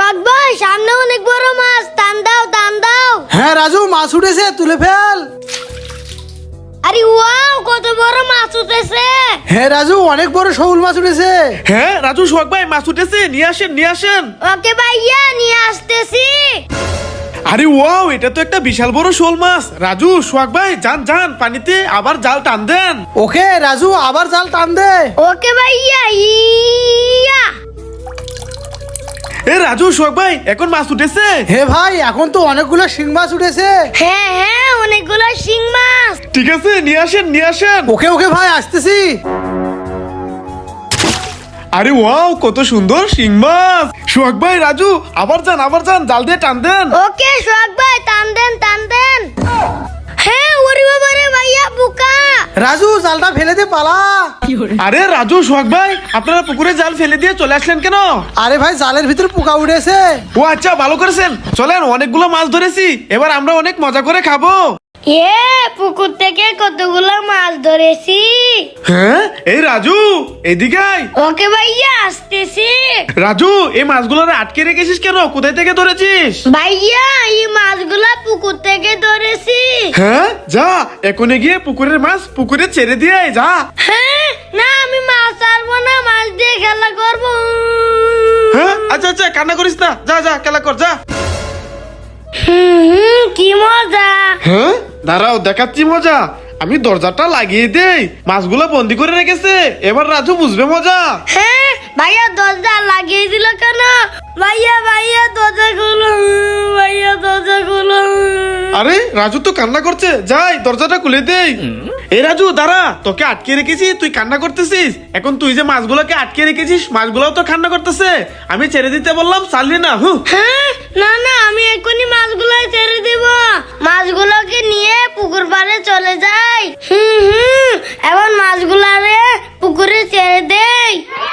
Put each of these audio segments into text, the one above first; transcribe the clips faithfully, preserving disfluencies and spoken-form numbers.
সোহাগ ভাই সামনে অনেক বড় মাছ, টান দাও টান দাও। হ্যাঁ রাজু, মাছ উঠেছে, তুলে ফেল। আরে ওয়াও, কত বড় মাছ উঠেছে। হ্যাঁ রাজু, অনেক বড় শৌল মাছ উঠেছে। হ্যাঁ রাজু, সোহাগ ভাই মাছ উঠেছে, নিয়ে আসেন নিয়ে আসেন। ওকে ভাইয়া, নিয়ে আসতেছি। আরে ওয়াও, এটা তো একটা বিশাল বড় শোল মাছ। রাজু সোহাগ ভাই যান যান পানিতে, আবার জাল টান দেন। ওকে রাজু, আবার জাল টান দে। ওকে ভাইয়া, ইয়া। এ রাজু সোহাগ ভাই, এখন মাছ উঠেছে। হে ভাই, এখন তো অনেকগুলো শিং মাছ উঠেছে। হ্যাঁ হ্যাঁ, অনেকগুলো শিং মাছ। ঠিক আছে, নিয়ে আসেন নিয়ে আসেন। ওকে ওকে ভাই, আসতেছি। আরে ওয়াও, কত সুন্দর শিং মাছ। সোহাগ ভাই রাজু, আবার যান আবার যান, জাল দিয়ে টান দেন। ওকে সোহাগ ভাই, টান দেন টান দেন। হ্যাঁ, ওরে বাবা রে ভাইয়া, বোকা। রাজু, জালটা ফেলে দে, পালা। আরে রাজু সোহাগ ভাই, আপনারা পুকুরে জাল ফেলে দিয়ে চলে আসলেন কেন? আরে ভাই, জালের ভিতরে পোকা উঠেছে। ও আচ্ছা, ভালো করেছেন। চলেন, অনেকগুলো মাছ ধরেছি, এবার আমরা অনেক মজা করে খাবো। এ পুকুর থেকে কতগুলো মাছ ধরেছি। হ্যাঁ এই রাজু, এদিকে আয়। ওকে ভাইয়া, আসতেছি। রাজু, এই মাছগুলোরে আটকে রেখেছিস কেন? কোথায় থেকে ধরেছিস? ভাইয়া, এই মাছগুলা পুকুর থেকে ধরেছি। হ্যাঁ, যা এখনই গিয়ে পুকুরের মাছ পুকুরে ছেড়ে দিয়ে আয়, যা। হ্যাঁ, না আমি মাছ ছাড়বো না, মাছ দিয়ে খেলা করবো। হ্যাঁ আচ্ছা আচ্ছা, কান্না করিস না, যা যা খেলা কর, যা। হুম হুম, কি মজা। হ্যাঁ দাঁড়াও, দেখাচ্ছি মজা। আমি দরজাটা লাগিয়ে দেই, মাছগুলো বন্দি করে রেখেছে, এবার রাজু বুঝবে মজা। হ্যাঁ ভাইয়া, দরজা লাগিয়ে দিল কেন? ভাইয়া ভাইয়া, দরজা খুলো, ভাইয়া দরজা খুলো। আরে রাজু তো কান্না করছে, যাই দরজাটা খুলে দেই। এই রাজু দাঁড়া, তোকে আটকে রেখেছি, তুই কান্না করতেছিস। এখন তুই যে মাছগুলোকে আটকে রেখেছিস, মাছগুলোও তো কান্না করতেছে। আমি ছেড়ে দিতে বললাম, ছাড়লি না। হুঁ। হ্যাঁ, না না, আমি এক্ষুনি মাছগুলো ছেড়ে দিব। মাছগুলোকে নিয়ে পুকুর পাড়ে চলে যাই। হুম হুম, এখন মাছগুলারে পুকুরে ছেড়ে দেই।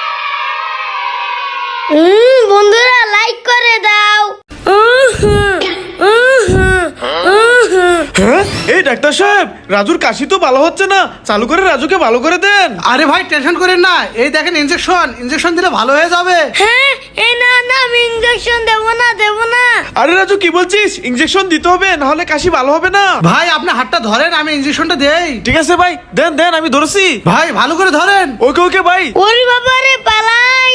হুম, বন্ধুরা লাইক করে দাও। উহ হুম, উহ হুম, উহ হুম। হ্যাঁ এই ডাক্তার সাহেব, রাজুর কাশি তো ভালো হচ্ছে না, চালু করে রাজুকে ভালো করে দেন। আরে ভাই, টেনশন করেন না, এই দেখেন ইনজেকশন, ইনজেকশন দিলে ভালো হয়ে যাবে। হ্যাঁ, এই না না, আমি ইঞ্জেকশন দেবো না দেবো না। আরে রাজু, কি বলছিস? ইনজেকশন দিতে হবে, না হলে কাশি ভালো হবে না। ভাই, আপনি হাতটা ধরেন, আমি ইনজেকশনটা দেই। ঠিক আছে ভাই, দেন দেন, আমি ধরছি। ভাই ভালো করে ধরেন। ওকে ওকে ভাই। ওরে বাবা রে, পালাই।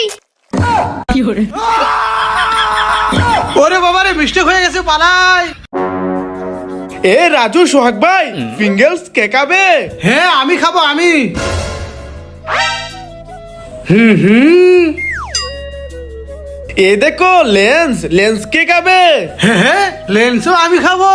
ওরে বাবা রে, মিস্টেক হয়ে গেছে, পালাই। এ রাজু সোহাগ ভাই, ফিঙ্গারস কে খাবে? হ্যাঁ আমি খাবো, আমি। হুম হুম। এ দেখো লেন্স, লেন্স কে খাবে? হ্যাঁ হ্যাঁ, লেন্সও আমি খাবো।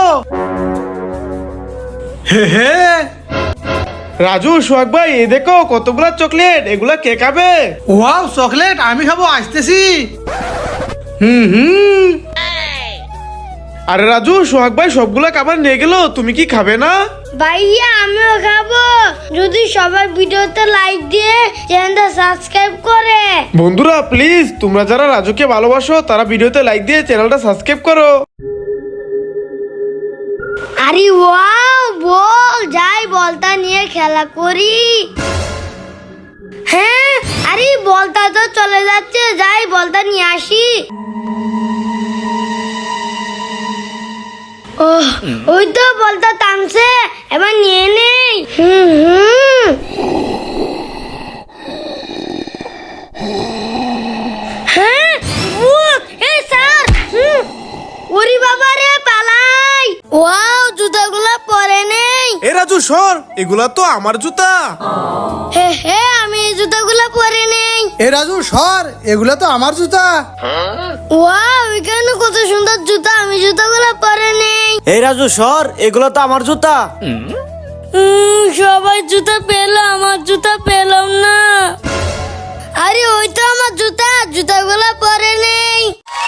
হ্যাঁ হ্যাঁ। রাজু সোহাগ ভাই, এ দেখো কতগুলা চকলেট, এগুলা কে খাবে? ওয়াও, চকলেট আমি খাবো, আসতেছি। হুম হুম। আরে রাজু সোহাগ ভাই সবগুলা খাবার নিয়ে গেল, তুমি কি খাবে না? ভাইয়া, আমিও খাবো, যদি সবাই ভিডিওতে লাইক দিয়ে চ্যানেলটা সাবস্ক্রাইব করে। বন্ধুরা প্লিজ, তোমরা যারা রাজুকে ভালোবাসো তারা ভিডিওতে লাইক দিয়ে চ্যানেলটা সাবস্ক্রাইব করো। আরে ওয়াও, বল যাই, বলটা নিয়ে খেলা করি। হ্যাঁ, আরে বলটা তো চলে যাচ্ছে, যাই বলটা নিয়ে আসি। ওহ, ওই তো বলটা টানছে, এবার নিয়ে নেই। হুম হুম। হ্যাঁ, ভূত, এই স্যার। হুম, ওরে বাবা রে, পালাই। ওয়াও, জুতাগুলো পরে নেই। এ রাজু সর, এগুলা তো আমার জুতা। হে হে, আমি এই জুতাগুলো পরে নেই। এ রাজু সর, এগুলো তো আমার জুতা। ওয়াও, এখানে কত সুন্দর জুতা, আমি জুতাগুলো পরে নেই। এই রাজু সর, এগুলো তো আমার জুতা। উম, সবাই জুতা পেলো, আমার জুতা পেলাম না। আরে ওই তো আমার জুতা, জুতাগুলো পরে নেই।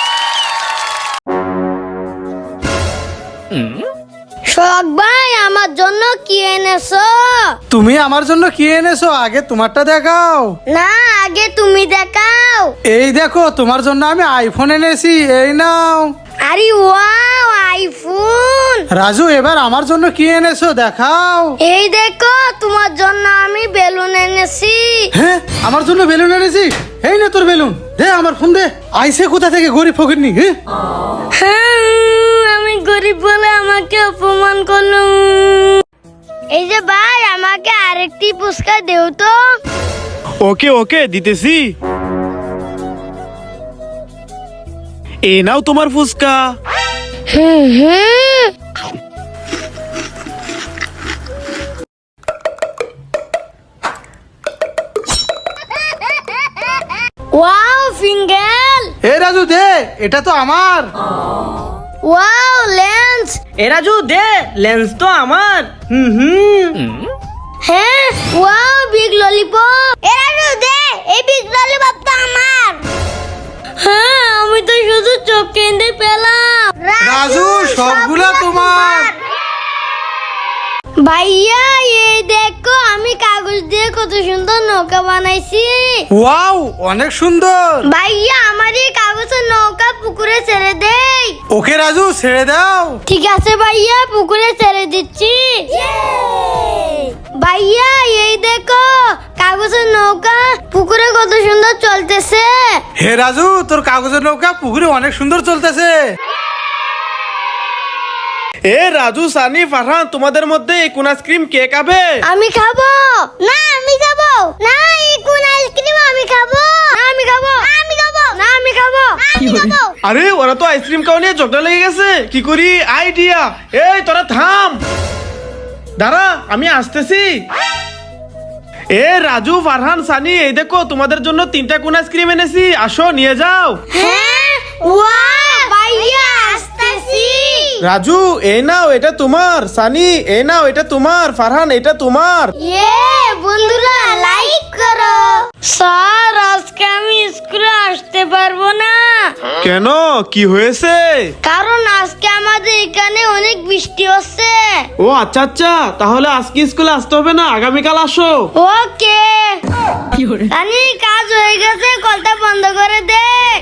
শখ ভাই, আমার জন্য কি এনেছো? তুমি আমার জন্য কি এনেছো? আগে তোমারটা দেখাও। না, আগে তুমি দেখাও। এই দেখো, তোমার জন্য আমি আইফোন এনেছি, এই নাও। আরে ওয়াও, আইফোন। রাজু, এবার আমার জন্য কি এনেছো দেখাও। এই দেখো, তোমার জন্য আমি বেলুন এনেছি। হ্যাঁ, আমার জন্য বেলুন এনেছি। এই না তোর বেলুন, দে আমার ফোন দে। আইসে কোথা থেকে গরিব ফকিরনি? হ্যাঁ হ্যাঁ, আমি গরিব বলে আমাকে অপমান করলো। এই যে ভাই, আমাকে আরেকটি পুস্কা দেও তো। ওকে ওকে দিতেছি। এ নাও তোমার ফুচকা। হুম হুম। ওয়াও ফিঙ্গেল। এ রাজু দে, এটা তো আমার। Wow lens. এ রাজু দে, লেন্স তো আমার। হুম হুম। হ্যাঁ, ওয়াও বিগ ললিপপ। এরাজু দে, এই বিগ ললিপপ তো আমার। হ্যাঁ, আমি তো শুধু চোখ কেঁদে পেলাম। রাজু সবগুলা তোমার। ভাইয়া এই দেখো, আমি কাগজ দিয়ে কত সুন্দর নৌকা বানাইছি। ওয়াও অনেক সুন্দর। ভাইয়া আমার এই কাগজের নৌকা পুকুরে ছেড়ে দেই। ওকে রাজু ছেড়ে দাও। ঠিক আছে ভাইয়া, পুকুরে ছেড়ে দিচ্ছি। ভাইয়া এই দেখো, কাগজের নৌকা পুকুরে কত সুন্দর চলতেছে। হে রাজু, তোর কাগজের নৌকা পুকুরে অনেক সুন্দর চলতেছে। এ রাজু, সানি, ফারহান, তোমাদের মধ্যে এই কোন আইসক্রিম কে খাবে? আমি খাবো না। আমি খাবো না। এই কোন আইসক্রিম আমি খাবো না। আমি খাবো আমি খাবো না। আমি খাবো আমি খাবো। আরে ওরা তো আইসক্রিম খাওয়া নিয়ে ঝগড়া লেগে গেছে। কি করি? আইডিয়া। এই তোরা থাম, দাঁড়া আমি আসতেছি। এ রাজু, ফারহান, সানি, এই দেখো তোমাদের জন্য তিনটা কোন আইসক্রিম এনেছি, আসো নিয়ে যাও। হ্যাঁ, ওয়াও ভাইয়া আসতেছি। রাজু এই নাও, এটা তোমার। সানি এই নাও, এটা তোমার। ফারহান এটা তোমার। ইয়ে বন্ধুরা, লাইক করো। স্যার, আজকে আমি স্কুলে আসতে পারবো না। কেন, কি হয়েছে? কারণ আজকে আমাদের এখানে অনেক বৃষ্টি হচ্ছে। ও আচ্ছা আচ্ছা, তাহলে আজকে স্কুলে আসতে হবে না, আগামীকাল আসো। ওকে। রানী, কাজ হয়ে গেছে, কলটা বন্ধ করে দে।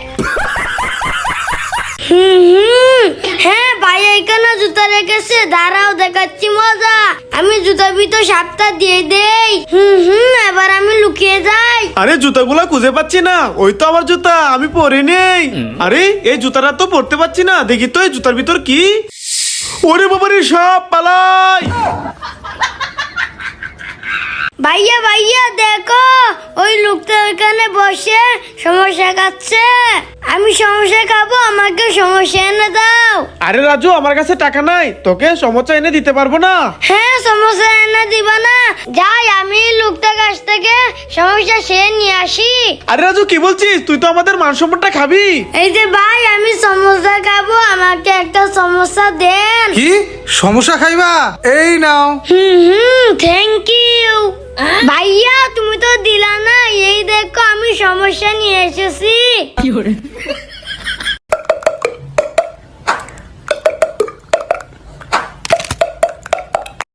হুম হুম। হ্যাঁ ভাই, এখানে জুতা রেখেছে, দাঁড়াও দেখাচ্ছি মজা। আমি জুতার ভিতর সাপটা দিয়ে দেই। হুম হুম। এবার আমি লুকিয়ে যাই। আরে জুতাগুলা খুঁজে পাচ্ছি না। ওই তো আমার জুতা, আমি পরে নেই। আরে এই জুতাটা তো পরতে পারছি না, দেখি তো এই জুতার ভিতর কি। ওরে বাবারে, সব পালাই। ভাইয়া ভাইয়া দেখো, ওই লোকটা ওইখানে বসে সমস্যা খাচ্ছে। আমি সমস্যা খাবো, আমাকে সমস্যা এনে দাও। আরে রাজু, আমার কাছে টাকা নাই, তোকে সমস্যা এনে দিতে পারবো না। হ্যাঁ, সমস্যা এনে দিবা না? যাই, আমি লোকটার কাছ থেকে সমস্যা সে নিয়ে আসি। আরে রাজু, কি বলছিস? তুই তো আমাদের মান সম্মানটা খাবি। এই যে ভাই, আমি সমস্যা খাবো, আমাকে একটা সমস্যা দেন। কি সমস্যা খাইবা? এই নাও। হুম হুম, থ্যাংক ইউ। ভাইয়া তুমি তো দিলা না। এই দেখো, আমি সমস্যা নিয়ে এসেছি।